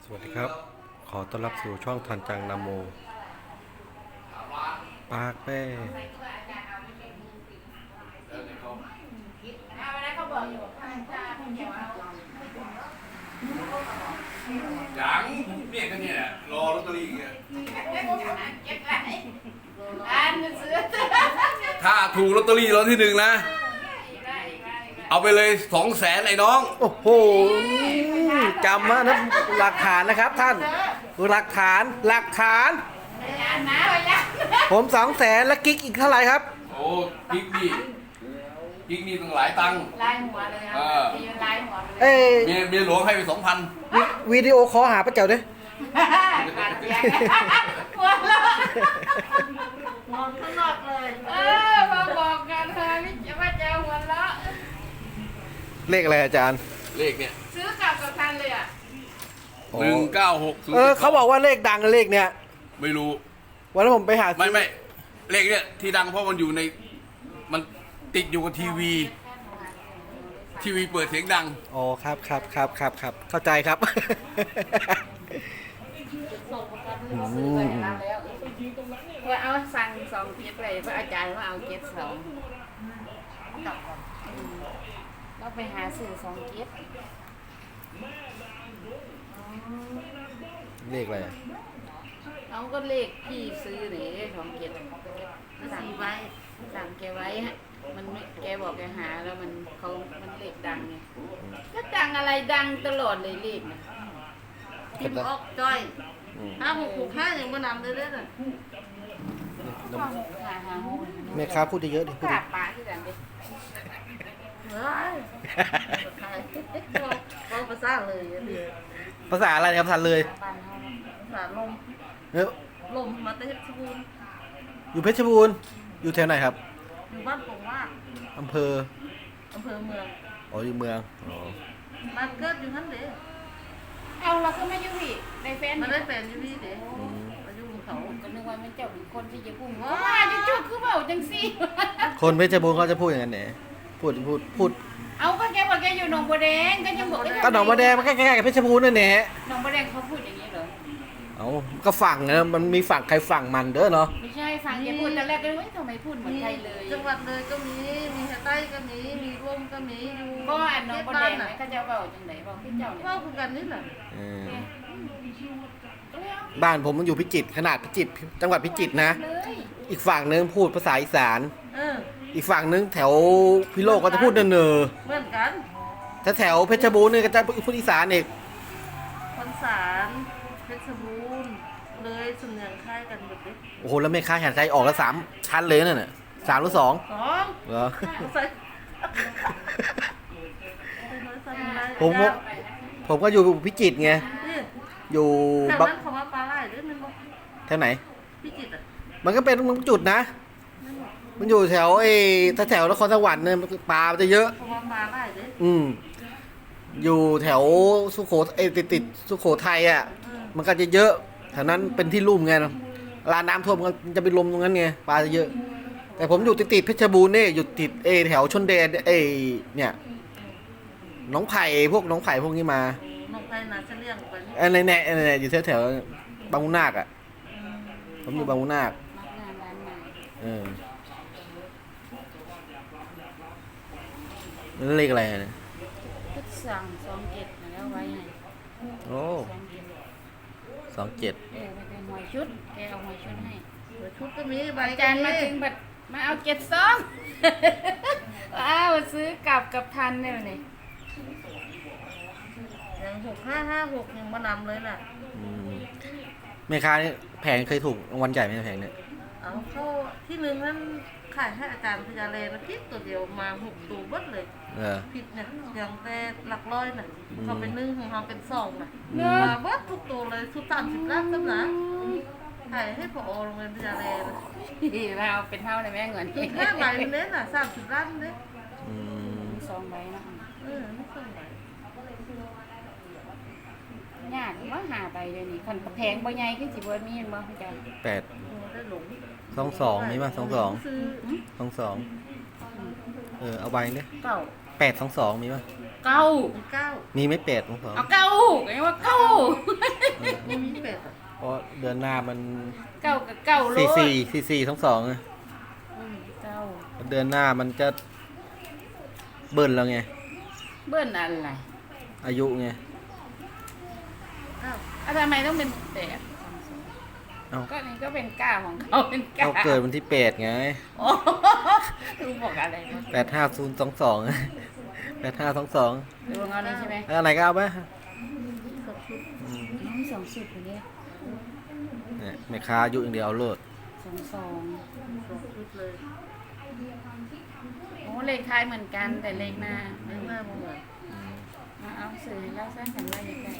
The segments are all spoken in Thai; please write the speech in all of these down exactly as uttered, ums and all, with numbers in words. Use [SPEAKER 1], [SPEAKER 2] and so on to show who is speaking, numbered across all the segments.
[SPEAKER 1] สวัสดีครับ ขอต้อนรับสู่ช่องทันจังนาโมปากแป้
[SPEAKER 2] ยังเนี่ยก็เนี่ยรอลอตเตอรี่ไงถ้าถูกลอตเตอรี่รางวัลที่หนึ่งนะเอาไปเลยสองแสนไอ้น้อง
[SPEAKER 1] โอ้โหจำมานะหลักฐานนะครับท่านหลักฐานหลักฐาน ผมสองแสนและกิ๊กอีกเท่าไหร่ครับ
[SPEAKER 2] โอ้กิ๊กนี่กิ๊กนี่ตั้งหลายตังค์
[SPEAKER 3] ลายหัวเลยอ่ะตีเป็นลายหัวเลย
[SPEAKER 1] เอ้ย
[SPEAKER 2] เมียเมียหลวงให้ไปสองพัน
[SPEAKER 1] วิวิดีโอคอลหาป้าเจ๋วด้วย
[SPEAKER 3] ขาดแยกหัวเราะงอนตลอดเลยเออมาบอกกันเลยไม่จะว่าจะหัวเราะ
[SPEAKER 1] เลขอะไรอาจารย์
[SPEAKER 2] เลขเนี่ย
[SPEAKER 3] ซื้อกลับกับทันเลยอ่ะ
[SPEAKER 2] หนึ่งเก้าหก
[SPEAKER 1] เออเขาบอกว่าเลขดังเลขเนี้ย
[SPEAKER 2] ไม่รู้
[SPEAKER 1] วันนั้นผมไปหา
[SPEAKER 2] ไม่ไม่เลขเนี่ยที่ดังเพราะมันอยู่ในมันติดอยู่กับทีวี ทีวีเปิดเสียงดัง
[SPEAKER 1] อ๋อครับครับครับครับครับเข้าใจครับ
[SPEAKER 3] ส่งประกันซื้อไปแล้วแล้วเพื่อเอาสั่งสองเจ็ดเลยเพื่ออาจารย์ว่าเอาเจ็ดสองเราไปหาสื่อสองเจ็ด
[SPEAKER 1] เลขอะไรอะ
[SPEAKER 3] เอาก็เลขพี่ซื้อหรือสองเจ็ดสั่งไว้สั่งแกไว้ฮะมันไม่แกบอกแกหาแล้วมันเขามันเลขดังไงก็ดังอะไรดังตลอดเลยเลขนะ
[SPEAKER 4] พิมพ์ออกจ้อย
[SPEAKER 1] อืม
[SPEAKER 4] ห้าหกหกห้ายังมานำเลยเด้อน่ะ
[SPEAKER 3] หาหาหาโห
[SPEAKER 1] แม่ค้าพูดเยอะๆดิ
[SPEAKER 3] ก
[SPEAKER 1] พูด
[SPEAKER 3] รา
[SPEAKER 1] ดิ
[SPEAKER 3] บปลาที่ดังดิ
[SPEAKER 4] เฮ้ยใครเราภาษาเลยอันนี้
[SPEAKER 1] ภาษาอะไรครับทันเลย
[SPEAKER 3] บ้านเขา
[SPEAKER 4] ภาษาลม
[SPEAKER 1] เอ้ย
[SPEAKER 4] ลมมาเตเพชรบูรณ์
[SPEAKER 1] อยู่เพชรบูรณ์อยู่แถวไหนครับ
[SPEAKER 4] อยู่บ้านผมว่า
[SPEAKER 1] อำเภอ
[SPEAKER 4] อำเภอเมือง
[SPEAKER 1] อ๋ออยู่เมืองอ๋อ
[SPEAKER 4] บ้านเกิดอยู่นั่นเด้
[SPEAKER 3] เอาเราก็ไม่ยุ่งพี่ในเฟซ
[SPEAKER 4] มาได้แฟนอยู่นี่เด้
[SPEAKER 1] อืม
[SPEAKER 4] มาอยู่กับเขา
[SPEAKER 3] ก็นึกว่ามันเจ้าเป็นคนที่จะพุ่งว่าจุ๊บคือเปล่าจังซี่
[SPEAKER 1] คนเพชรบูรณ์เขาจะพูดอย่างนั้นเนี่ยพูดพูดพูด
[SPEAKER 3] เอาก็แกบอกแกอยู่หนองบัวแดงก็ยังบอก
[SPEAKER 1] ก็หนองบัวแดงมันใกล้ๆกับเพชรบูรณ์นั่นแหละ
[SPEAKER 3] หนองบัวแดงเขาพูดอย่างนี้เหรอ
[SPEAKER 1] เอาก็ฝั่งนะมันมีฝั่งใครฝั่งมันเด้อเนาะ
[SPEAKER 3] ไม่ใช่ฟังแกพูดแต่แรกก็ว่าทำไมพูดเหมือนไทยเลย
[SPEAKER 4] จังหวัดเลยก็มีมีใต้ก็มีมีร่มก็มีอยู่
[SPEAKER 3] ก็อันหนองบัวแดงไหม
[SPEAKER 4] น่ะ
[SPEAKER 3] เขาจะเบาจังไหนบอกพี่เจ้าเนี่ย
[SPEAKER 4] ว่าคือกันนี่แหละ
[SPEAKER 1] เออบ้านผมมันอยู่พิจิตรขนาดพิจิตรจังหวัดพิจิตรนะ
[SPEAKER 3] เลย
[SPEAKER 1] อีกฝั่งนึงพูดภาษาอีสาน
[SPEAKER 4] เออ
[SPEAKER 1] อีกฝั่งนึงแถวพิโลกก็จะพูดเนอ
[SPEAKER 4] เหมือนกัน
[SPEAKER 1] ๆถ้าแถวเพชรบูรณ์นี่ก็จะพูดอีสานอีก
[SPEAKER 4] คนสารเพชรบูรณ์เลยสำเนียงคล้ายกันหมดเลย
[SPEAKER 1] โอ้โหแล้วแม่ค้าแข่งใจออกละสามชั้นเลยนั่นน่ะสามหรือสอง
[SPEAKER 4] สอง
[SPEAKER 1] เหรอ
[SPEAKER 4] ใส่ใส่น้อยใส่น้อย
[SPEAKER 1] ผมก็ผมก็อยู่พิจิตรไง
[SPEAKER 4] นี่
[SPEAKER 1] อยู่
[SPEAKER 4] แถว
[SPEAKER 1] บัก
[SPEAKER 4] นั้นเขาว่าปลาไหลหรือมันบอก
[SPEAKER 1] แถวไหน
[SPEAKER 4] พิจิตรอ่ะ
[SPEAKER 1] มันก็เป็นจุดนะ
[SPEAKER 4] นั่นบอก
[SPEAKER 1] มันอยู่แถวไอ้ถ้าแถวนครสวรรค์เนี่ยปลามันจะเยอะ
[SPEAKER 4] เขาว่าปลาไหลหรือ
[SPEAKER 1] อืม อยู่แถวสุโขทัยติดติดๆสุโขทัยอ่ะ
[SPEAKER 4] เออ
[SPEAKER 1] มันก็จะเยอะแถวนั้นเป็นที่ลุ่มไงเวลาน้ำท่วมมันจะไปลมตรงนั้นไงปลาจะเยอะ แต่ผมอยู่ติดติดๆเพชรบูรณ์นี่อยู่ติดเอแถวชนแดนเอเนี่ยหน้องไผ่พวกหน้องไผ่พวกนี้มา
[SPEAKER 4] ลงไปนาเฉลี่ยงไปนี่
[SPEAKER 1] ไอ้ในแน่ไอ้ในอยู่แถวแถวๆบางมุนาคอ่ะผมอยู่บางมุนาค
[SPEAKER 3] มักงานร้านใหม่
[SPEAKER 1] เออนั่นเลขอะไรเนี่ย
[SPEAKER 3] ก็สั่งสองเจ็ดมาแล้วไว้ให้
[SPEAKER 1] โอ้
[SPEAKER 3] สองเจ็ด
[SPEAKER 1] สองเจ็ด
[SPEAKER 3] เออไปเป็นหวยชุดแกเอาหวยชุดให้
[SPEAKER 4] เดี๋ยวชุดก็มีใบ
[SPEAKER 3] อาจารย์มาถึงแบบมาเอาเจ็ดสอง อ้าวซื้อกลับกับทันเนี่ยนี่
[SPEAKER 4] อย่างหกห้าห้าหกยังมานำเลยน่ะ
[SPEAKER 1] อืมแม่ค้านี่แผงเคยถูกรางวัลใหญ่ไหมแผงเนี่ย
[SPEAKER 4] เอาเข้าที่หนึ่งนั้นขายให้อาจารย์พญาเลนะพิษตัวเดียวมาหกตัวเบิดเลย
[SPEAKER 1] เออ
[SPEAKER 4] ผิดเนี่ยอย่างแต่หลักร้อยน่ะ
[SPEAKER 1] อืม
[SPEAKER 4] เขาเป็นหนึ่งของเราเป็นสองน่ะ
[SPEAKER 1] อืม
[SPEAKER 4] มาเบิดทุกตัวเลยสุดสามสิบล้านกันนะขายให้พอโรงเรียนพญาเลนะ
[SPEAKER 3] เราเป็นเท่าเลยแม่เงิน
[SPEAKER 4] อีกห้าใบเน้นอ่ะสามสิบล้านเน้น
[SPEAKER 1] อืม
[SPEAKER 3] มีสองใบนะ
[SPEAKER 4] เออไม่ส่งใบ
[SPEAKER 3] ยากว่าหาใบเลยนี่คนแพงบ่ใหญ่ขึ้นสิบ่มีเห็นบ่อาจารย์
[SPEAKER 1] แปด
[SPEAKER 4] เออได้หลง
[SPEAKER 1] สองสองมีป่ะสองสอง
[SPEAKER 4] ซื้อ
[SPEAKER 1] สองสองเออเอาใบเนี่ย
[SPEAKER 3] เก้า
[SPEAKER 1] แปดสองสองมีป่ะ
[SPEAKER 3] เก้า
[SPEAKER 4] เป็นเก้า
[SPEAKER 1] มีไหม่แปดสองสอง
[SPEAKER 3] เอาเก้าไงว่าเก้า
[SPEAKER 1] เดือนหน้ามัน
[SPEAKER 3] เก้ากับเก้าโล
[SPEAKER 1] สี่สี่สี่สี่ทั้งสองอะ
[SPEAKER 3] อืมเก้า
[SPEAKER 1] เดือนหน้ามันจะเบิ้ลแล้วไง
[SPEAKER 3] เบิ้ลอะไร
[SPEAKER 1] อายุไง
[SPEAKER 3] อ้าวอ่ะทำไมต้องเป็นแปด
[SPEAKER 1] เอ้า
[SPEAKER 3] ก็นี่ก็เป็นเก้าของเขาเป็นเก้า
[SPEAKER 1] เขาเกิดวันที่แปดไง
[SPEAKER 3] โอ้ดูบอกอะไรวะ
[SPEAKER 1] แปดห้าศูนย์สองสองแปดห้าสองสอง
[SPEAKER 3] ดูของเขานี่ใช่ไหม
[SPEAKER 1] แล้วอะไรก็เอาไปอืม
[SPEAKER 3] น้องสองสิบคนนี้
[SPEAKER 1] เนี่ยแม่ค้าอายุอย่างเดียวเอาเลิศ
[SPEAKER 3] สองสอง
[SPEAKER 4] สองชุดเลย
[SPEAKER 3] โอ้เลขท้ายเหมือนกันแต่เลขหน้า
[SPEAKER 4] ไม่หน้าเหมือน
[SPEAKER 3] มาเอาสื่อให้เราสร้างกันไว้ใกล้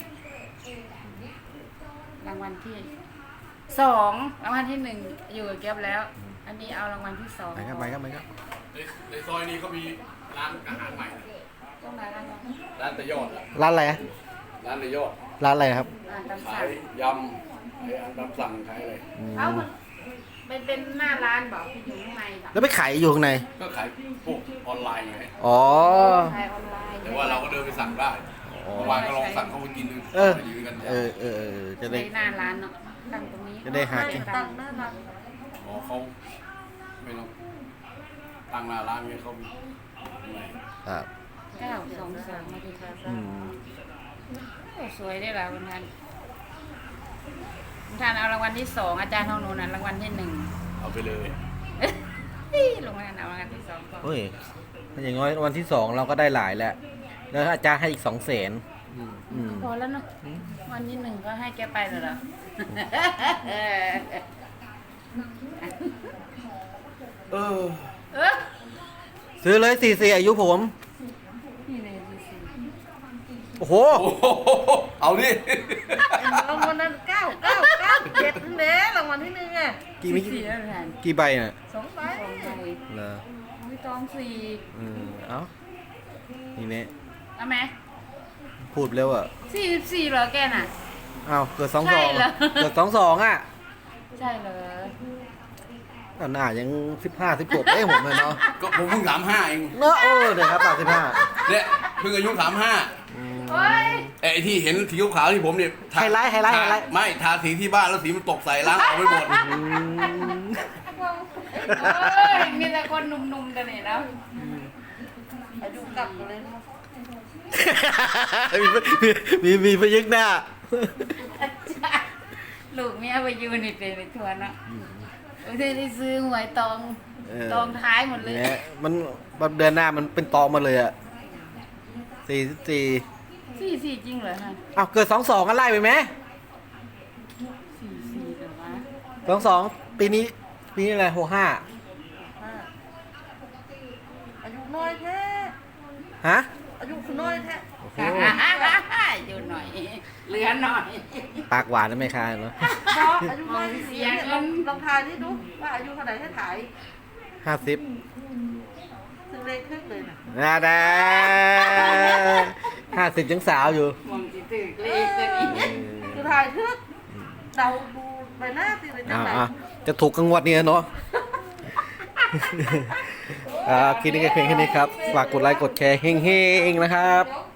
[SPEAKER 3] ๆรางวัลที่สองรางวัลที่หนึ่งอยู่กับเก็บแล้ว อันนี้เอารางวัลที่สอง
[SPEAKER 1] ไปครับไปครับไปครับ
[SPEAKER 2] ในในซอยนี้เขามีร้านอาหารใหม่นะ
[SPEAKER 3] ต้องมาแล้วเนาะ
[SPEAKER 2] ร้านตะยอดอะ
[SPEAKER 1] ร้านอะไรอะ
[SPEAKER 2] ร้านตะยอด
[SPEAKER 1] ร้านอะไรครับ
[SPEAKER 3] อ่านตาม
[SPEAKER 2] ขา
[SPEAKER 3] สั่
[SPEAKER 2] ย
[SPEAKER 3] ง
[SPEAKER 2] ยำขายอาหารตามสั่งขายอะไร
[SPEAKER 1] อืม
[SPEAKER 3] เอามันเป็นเป็นหน้าร้านบอกอยู่ข้างในบอก
[SPEAKER 1] แล้วไปขายอยู่ข้างใน
[SPEAKER 2] ก็ขายพวกออนไลน์ไง
[SPEAKER 1] อ๋อ
[SPEAKER 3] ขายออนไลน์
[SPEAKER 2] แต่ว่าเราก็เดินไปสั่งได้
[SPEAKER 1] อ๋อ
[SPEAKER 2] เมื่อวานก็ลองสั่งเข้าไปกินดู
[SPEAKER 1] เออ
[SPEAKER 2] อยู่ด้วยกัน
[SPEAKER 1] เออเออเออจะ
[SPEAKER 3] ใน
[SPEAKER 1] ได้
[SPEAKER 3] หน้าร้านเนาะตั้งตรงนี้
[SPEAKER 1] จะได้หากิน
[SPEAKER 4] ตั้งหน้าร้าน
[SPEAKER 2] อ๋อเขาไม่ต้องตั้งหน้าร้านไงเขามีไหน
[SPEAKER 1] ครับ
[SPEAKER 3] เก้าสองสามมาดีค่ะ
[SPEAKER 1] อืม
[SPEAKER 3] โอ้สวยได้ละวันทันวันทันเอารางวัลที่สองอาจารย์ทองนูนนะรางวัลที่หนึ่ง
[SPEAKER 2] เอาไปเลย
[SPEAKER 3] ลงมาเอารางวัลที่สองก่อน
[SPEAKER 1] เฮ้ยถ้าอย่างน้อยวันที่สองเราก็ได้หลายแล้ว แล้วอาจารย์ให้อีกสองแสนอืม
[SPEAKER 3] พอแล้วเนาะวันที่หนึ่งก็ให้แกไปเลยเหรอ
[SPEAKER 2] เออ
[SPEAKER 3] เออ
[SPEAKER 1] ซื้อเลยสี่สี่อายุผม
[SPEAKER 3] นี่เลยดูสิ
[SPEAKER 1] โอ้โห
[SPEAKER 2] โอ้โหเอาดิ
[SPEAKER 4] รางวัลนั้นเก้าเก้าเก้าเจ็ดนั่นแหละรางวัลที่หนึ่งอ่ะ
[SPEAKER 1] กี่มิ
[SPEAKER 3] สี่แล้วแทน
[SPEAKER 1] กี่ใบน่ะ
[SPEAKER 4] สองใบ
[SPEAKER 3] สองใบ
[SPEAKER 1] เหรอ
[SPEAKER 3] ไม่ต้องสี่
[SPEAKER 1] อืมเอ้านี่เนี่ย
[SPEAKER 3] เอาไหม
[SPEAKER 1] พูดเร็วอ่ะ
[SPEAKER 3] สี่สิบสี่เหรอแกน่ะ
[SPEAKER 1] อ้าวเกิดสอง
[SPEAKER 3] ใช่
[SPEAKER 1] สอง
[SPEAKER 3] เหรอ
[SPEAKER 1] เกิดสองสองอ่ะ
[SPEAKER 3] ใช่เหรอ
[SPEAKER 1] อ่ะหน้ายังสิบห้าสิบหกเอ้ยผมเลยเนาะ
[SPEAKER 2] ก็ผมเพิ่งสามห้าเอง
[SPEAKER 1] เนาะเออเดี๋ยวครับสามสิบห้า
[SPEAKER 2] เนี่ยเพิ่งอายุสามห้า
[SPEAKER 3] โอ้ย
[SPEAKER 2] ไอ้ที่เห็นสีขาวๆที่ผมเนี่ยทา
[SPEAKER 1] ไฮไลท์ไฮไลท์ไฮไลท์
[SPEAKER 2] ไม่ทาสีที่บ้านแล้วสีมันตกใส่ล้างเอาไม่หมด
[SPEAKER 1] อืม
[SPEAKER 3] โอ้ยมีแต่คนหนุ่มๆกันนี่แล้ว
[SPEAKER 4] อายุกลับเลยนะ
[SPEAKER 1] มีมีมีพยักหน้า
[SPEAKER 3] ลูกเมียไปอยูนี่เป็นไปทัวร์เนาะโอ้ยได้ซื้อหวยตอง
[SPEAKER 1] เออ
[SPEAKER 3] ตองท้ายหมดเลย
[SPEAKER 1] เนี่ยมันแบบเดือนหน้ามันเป็นตอมาเลยอ่ะสี่สิบสี่
[SPEAKER 3] สี่สี่จริงเหรอฮะ
[SPEAKER 1] อ้าวเกิดสองสองกันไล่ไปไหม
[SPEAKER 3] สี่สี่เหรอวะ
[SPEAKER 1] สองสองปีนี้ปีนี้อะไรหกห้า
[SPEAKER 4] ห้าอายุน้อยแท้
[SPEAKER 1] ฮะ
[SPEAKER 4] อายุน้อยแท้
[SPEAKER 1] โอ้โห
[SPEAKER 3] อยู่หน่อย เหลือหน่อย
[SPEAKER 1] ปากหวานนะแม่ค้าเนาะ
[SPEAKER 4] บอกอายุน้อยที่เสียเนี่ยลองลองทายที่ดูว่าอายุเท่าไหร่ให้ถ่าย
[SPEAKER 1] ห้าสิบ
[SPEAKER 4] ซึ่งเลขครึ่งเลยนะ
[SPEAKER 1] นาดาห้าสิบยังสาวอยู่
[SPEAKER 3] มองจิตึกเลขตัวนี้
[SPEAKER 4] คือถ่ายทึกเดาดูใบหน้าสิเลยจั
[SPEAKER 1] อ่าง
[SPEAKER 4] ไหน
[SPEAKER 1] อ่ะจะถูกกังวดเนี่ยเนาะ อ่าคลิปนี้ก็เพียงแค่นี้ครับ ฝากกดไลค์กดแชร์เฮ้งๆนะครับ